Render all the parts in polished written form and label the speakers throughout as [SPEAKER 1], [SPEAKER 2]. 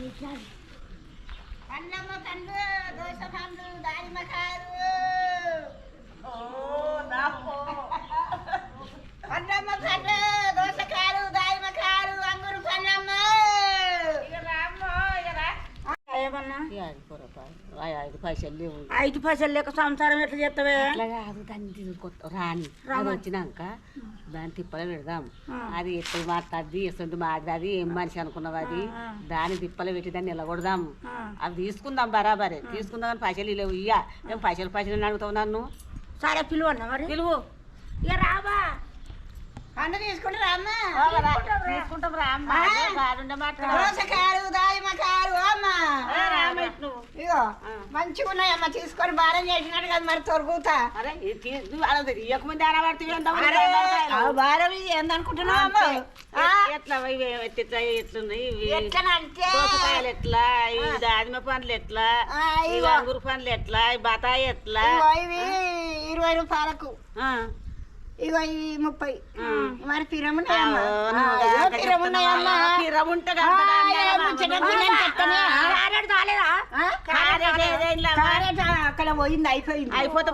[SPEAKER 1] పండ్లమ్మ పండ్లు దోస పండ్లు దానిమ్మకాయలు పండ్లమ్మ పండ్లు దోసకాయలు దానిమ్మకాయలు అంగురు పండ్లమ్మ ఏమన్నా
[SPEAKER 2] 5 పైసలు లేవు.
[SPEAKER 1] 5 పైసలు లేక సంసారం ఎట్లా చేస్తావే?
[SPEAKER 2] దాన్ని రాని అది వచ్చినాక దాన్ని తిప్పలు పెడదాం. అది ఎప్పుడు మాట్లాడి ఎస్తుంది మాట్లాడి ఏం మనిషి అనుకున్నావు అది దాన్ని తిప్పలు పెట్టి దాన్ని నిలగొడదాం. అవి తీసుకుందాం బరాబరే తీసుకుందాం కానీ పైసలు లేవు. ఇయ్య మేము పైసలు అడుగుతావు నన్ను.
[SPEAKER 1] సరే పిలువన్నా మరి
[SPEAKER 2] పిలువు.
[SPEAKER 1] ఇక రాబా పండు తీసుకుంటే రామ్మా
[SPEAKER 2] తీసుకుంటాం రామ్మా.
[SPEAKER 1] దోసకాయలు దానిమ్మకాయలు అమ్మా ఇగో మంచిగా ఉన్నాయమ్మా తీసుకొని భారం చేసినట్టు కదా మరి తొరుగుతా.
[SPEAKER 2] ఇవ్వకముందే అనబడుతుంది
[SPEAKER 1] భారం ఏందనుకుంటున్నావు?
[SPEAKER 2] ఎట్లా ఎట్లున్నాయి
[SPEAKER 1] ఎట్లనంటే
[SPEAKER 2] దోసకాయలు ఎట్లా, ఈ దానిమ్మ పండ్లు ఎట్లా, ఈ అంగురు పండ్లు ఎట్లా, ఈ బతాయి ఎట్లా?
[SPEAKER 1] ఇవి 20 రూపాయలకు ఇగో ఈ 30 మరి పిరమున్నాయమ్మా. అక్కడ పోయింది అయిపోయింది.
[SPEAKER 2] అయిపోతే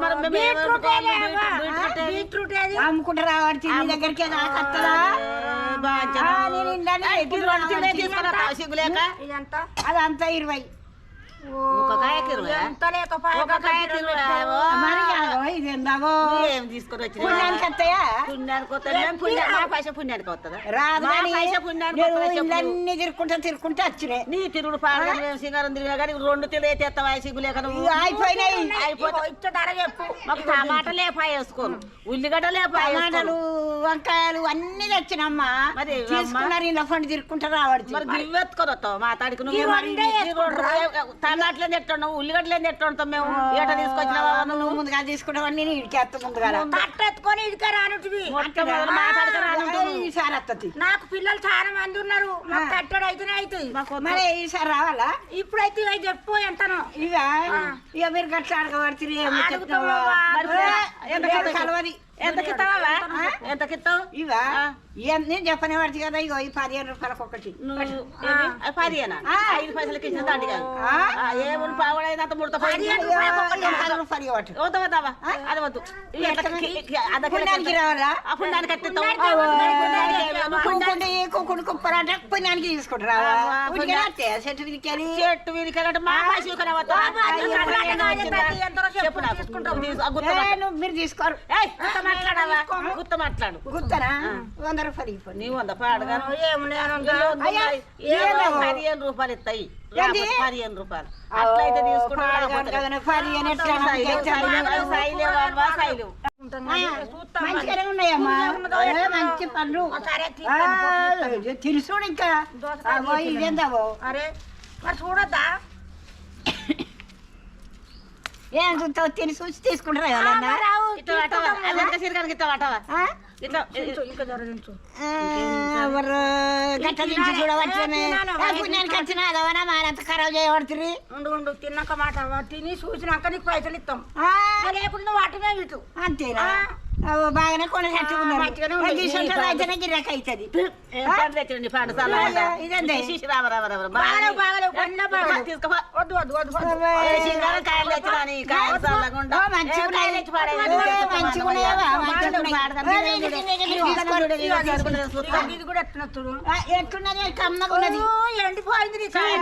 [SPEAKER 1] అమ్ముకుంటా రావాలి నీ దగ్గరికి అదంతా 20
[SPEAKER 2] తీసుకొని వచ్చి
[SPEAKER 1] పుణ్యానికి వస్తాయా?
[SPEAKER 2] పుణ్యానికి వస్తుందా?
[SPEAKER 1] అన్ని తిరుక్కుంటా వచ్చినాయి.
[SPEAKER 2] నీ తిరుగుడు పాడు సింగారం తిరిగినా కానీ 2 తిరిగి తెస్తావా సిగ్గు లేక
[SPEAKER 1] అయిపోయినాయి.
[SPEAKER 2] మాకు టమాటా లేపాయ వేసుకోను, ఉల్లిగడ్డ లేపాయ,
[SPEAKER 1] టమాటాలు వంకాయలు అన్ని తెచ్చినమ్మా. మరి తీసుకున్నారు ఇలా పండు తిరుక్కుంటా రావాలి.
[SPEAKER 2] మరి గివ్వెత్తుకొని వస్తావు మాట్లాడికి నువ్వు టమాటలు తెట్టున్నావు ఉల్లిగడ్డలు తెట్టుకుంటాం మేము. ఏట తీసుకొచ్చినావా
[SPEAKER 1] నువ్వు ముందుగా తీసుకుంటావని నేను ఇడికేస్తా ముందుగా కట్టెత్తుకొని ఇడికే రానుంటివి ఈసారి వస్తుంది. నాకు పిల్లలు చాలా మంది ఉన్నారు. కట్టెడు అయితేనే అవుతుంది. మరి ఈసారి రావాలా? ఇప్పుడైతే ఇవి చెప్పు ఎంతనో ఇక మీరు గట్ల అడగబడుతుంది. కలవది
[SPEAKER 2] ఎంతకిస్తావా? ఎంతకిస్తావు?
[SPEAKER 1] ఇవా నేను చెప్పనే పడుతుంది కదా. ఇగో ఈ 15 రూపాయలకు ఒకటి.
[SPEAKER 2] 15 5 పైసలకి ఇచ్చిన దాండి కాదు ఏమన్నా పావుడైనంత ముడత
[SPEAKER 1] రూపాయలు అది
[SPEAKER 2] వద్దు.
[SPEAKER 1] పుణ్యానికి రావాలా?
[SPEAKER 2] పుణ్యానికి కట్టిస్తావు
[SPEAKER 1] కుప్పరంటే పుణ్యానికి తీసుకుంటారా? చెట్టు వీరికెళ్ళి మా మీరు తీసుకోరు.
[SPEAKER 2] మాట్లాడావా? గుత్త మాట్లాడు.
[SPEAKER 1] గుత్తనా? 100 రూపాయలు
[SPEAKER 2] నీ 100 పాడుగా 15 రూపాయలు ఇస్తాయి. 15 రూపాయలు అట్లయితే తీసుకుంటాను.
[SPEAKER 1] మంచిగానే ఉన్నాయమ్మా మంచి పండ్లు తెలుసు. ఇంకా ఇదేందావో అరే మరి చూడద్దా? ఏం చూస్తావు? తిని చూసి తీసుకుంటారా? గట్ట నుంచి చూడవచ్చు. పుణ్యానికి వచ్చిన అదవనా మారంత ఖరాబ్ చేయబడుతుంది. ఉండు తిన్నాక మాట తిని చూసినాక నీకు పైసలు ఇస్తాం. లేకుండా నువ్వు వాటినే ఇటు అంతేనా? బాగానే కొన్ని అయితేనే గిరాక అవుతుంది. ఎట్లున్నది? కమ్మగా ఉన్నది. ఎండిపోయింది.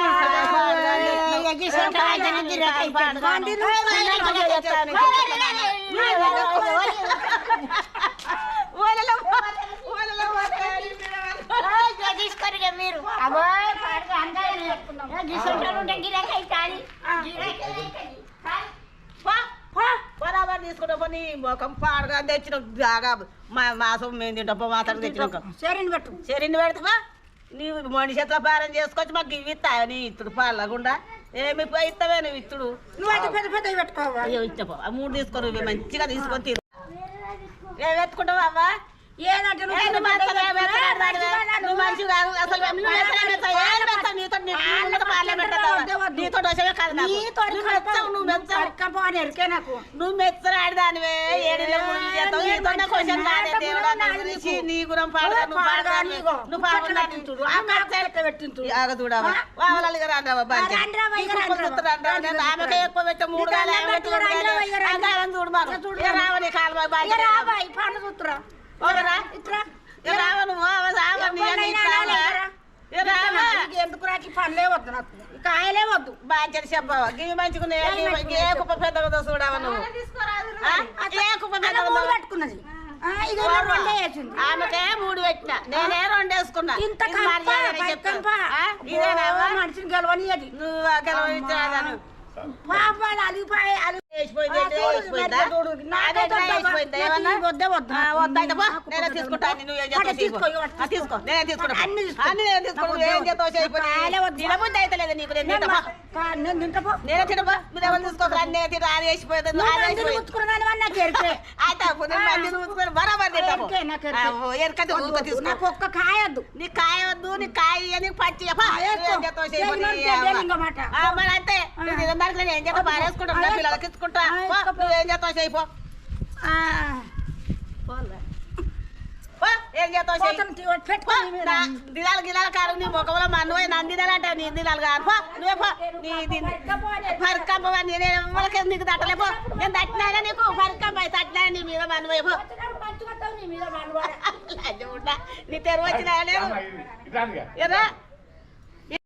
[SPEAKER 1] తీసుకోరు మీరు
[SPEAKER 2] బరాబర్ తీసుకుంటా పని మొఖం పాడుగా తెచ్చిన బాగా మాసం మేము తింటాం మాత్రం తెచ్చినాక చెరిని పెడతావా? నీవు మనిషి ఎట్లా పారం చేసుకొచ్చి మాకు ఇవి ఇస్తావా? నీ ఇత్తుడు పాలకుండా ఏమి ఇస్తావే నువ్వు ఇత్తుడు.
[SPEAKER 1] నువ్వు పెద్ద పెద్ద పెట్టుకోవా?
[SPEAKER 2] ఇచ్చపో 3 తీసుకొని మంచిగా తీసుకొని తిరు. ఏమెత్తుకుంటావా అవ్వా?
[SPEAKER 1] ఏదంటే
[SPEAKER 2] నీతో సంతోషమే కాదు నాకు.
[SPEAKER 1] నీ తోడి
[SPEAKER 2] నువ్వు మెచ్చావు, నువ్వు మెచ్చావు.
[SPEAKER 1] కడుక్కపోని ఎరికే నాకు.
[SPEAKER 2] నువ్వు మెచ్చరాడు దానివే ఏడిలో ముడి చేస్తావు. ఏదన్నా క్వశ్చన్ కాదే దేవుడా నా గురించి. నీ గురం పాడగా నువ్వు పాడగా నువ్వు పాడగా చూడు ఆ మెచ్చ
[SPEAKER 1] పెట్టించు
[SPEAKER 2] ఆగ చూడవా వావలాలిగా రాండ్రావా బాగా ఆమెకే ఎక్కువ పెట్టే 3 గాలి చూడు మాకు రావని కాలువ బాగా
[SPEAKER 1] రాబాయి పండు చూస్తురా
[SPEAKER 2] ఓరా
[SPEAKER 1] ఇట్రా
[SPEAKER 2] రావ నువ్వు
[SPEAKER 1] ఎందుకు రాకి పండ్లే వద్దు నాకు కాయలే వద్దు
[SPEAKER 2] బాగా చెప్పావా గివి మంచుకునే ఏ కుప్ప పెద్దగా చూడవా నువ్వు ఏ కుప్ప పెద్దగా
[SPEAKER 1] పెట్టుకున్నది
[SPEAKER 2] ఆమెకే 3 పెట్టిన నేనే 2 వేసుకున్నా.
[SPEAKER 1] ఇంత మనిషిని గెలవనియది
[SPEAKER 2] నువ్వు గెలవని
[SPEAKER 1] పాపాలు అలిగిపోయి ఒక్క కాయద్దు
[SPEAKER 2] నీ కాయవద్దు నీ కాయ నీకు పచ్చి అంతే ఏం చేస్తా బారేసుకుంటా పిల్లలకి ఇచ్చుకుంటా నువ్వేం చేస్తావు చేయిపో ఏం చేస్తావు దినాలు గిలాలు కాదు నీ ముఖంలో మన్ను నన్ను దినాలంటే నీ దినాలు కాదు పో నువ్వే పో నీ పరికంప నేను నీకు తట్టలేపో నేను తట్టినా నీకు పరికంప తట్టినా నీ మీద మన్నువైపో నీ తెరువు వచ్చినా లేదు ఎరా